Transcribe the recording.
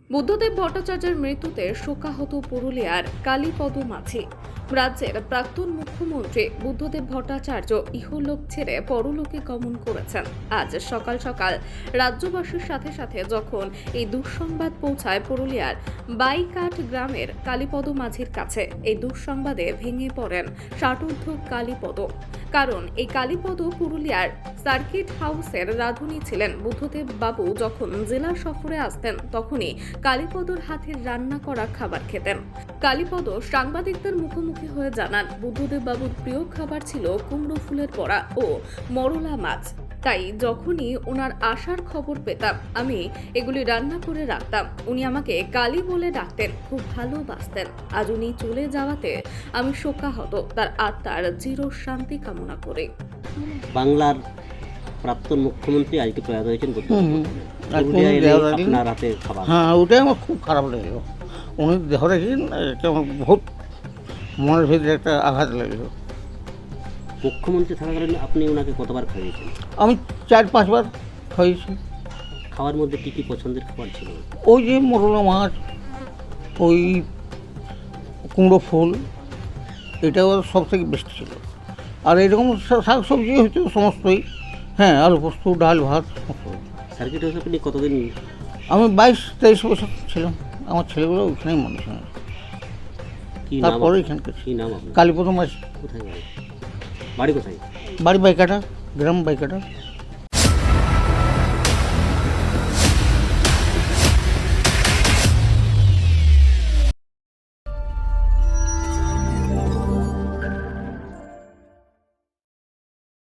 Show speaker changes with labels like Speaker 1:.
Speaker 1: বুদ্ধদেব ভট্টাচার্যের মৃত্যুতে শোকাহত পুরুলিয়ার কালীপদ মাঝি। রাজ্যের প্রাক্তন মুখ্যমন্ত্রী বুদ্ধদেব ভট্টাচার্য ইহলোক ছেড়ে পরলোকে গমন করেছেন। আজ সকাল সকাল রাজ্যবাসীর সাথে সাথে যখন এই দুঃসংবাদ পৌঁছায় পুরুলিয়ার বাইকাট গ্রামের কালীপদ মাঝির কাছে, এই দুঃসংবাদে ভেঙে পড়েন ষাটোর্ধ্ব কালীপদ। কারণ এই কালীপদ পুরুলিয়ার সার্কিট হাউসের রাঁধুনি ছিলেন। বুদ্ধদেব বাবু যখন জেলা সফরে আসতেন তখনই কালীপদর হাতের রান্না করা খাবার খেতেন। কালীপদ সাংবাদিকদের মুখোমুখি হয়ে জানান, বুদ্ধদেব বাবুর প্রিয় খাবার ছিল কুমড়ো ফুলের বড়া ও মরলা মাছ। তাই যখনই ওনার আসার খবর পেতাম আমি এগুলি রান্না করে রাখতাম। উনি আমাকে কালী বলে ডাকতেন, খুব ভালোবাসতেন। আজ উনি চলে যাওয়াতে আমি শোকাহত, তার আত্মার চির শান্তি কামনা করে।
Speaker 2: বাংলার প্রাক্তন মুখ্যমন্ত্রী আজকে প্রয়াত হয়েছেন।
Speaker 3: পুরুলিয়ায় এলে
Speaker 2: আপনার হাতে খাবার,
Speaker 3: হ্যাঁ, ওটাই আমার খুব খারাপ লেগেল। উনি দেহ দেখি আমার বহুত মনের ভিতরে একটা আঘাত লেগেল।
Speaker 2: মুখ্যমন্ত্রী থাকাকালীন আপনি ওনাকে কতবার খাইয়েছেন?
Speaker 3: আমি 4-5 বার খাইয়েছি।
Speaker 2: খাওয়ার মধ্যে কী কী পছন্দের খাবার ছিল?
Speaker 3: ওই যে মরলা মাছ, ওই কুমড়ো ফুল, এটাও সব থেকে বেস্ট ছিল। আর এরকম শাক সবজি হয়তো সমস্তই, হ্যাঁ, আলু পোস্ত, ডাল ভাত সমস্ত।
Speaker 2: সার্কিট হাউসে আপনি কতদিন?
Speaker 3: আমি 22-23 বছর ছিলাম। আমার ছেলেগুলো ওইখানেই মানুষ হয়।
Speaker 2: কী নাম?
Speaker 3: তারপরে এখানকার
Speaker 2: কী নাম আপনার?
Speaker 3: কালীপদ মাছ।
Speaker 2: কোথায় বাড়ি? বাড়ি কোথায়?
Speaker 3: বাড়ি বাইকাটা, গ্রাম বাইকাটা।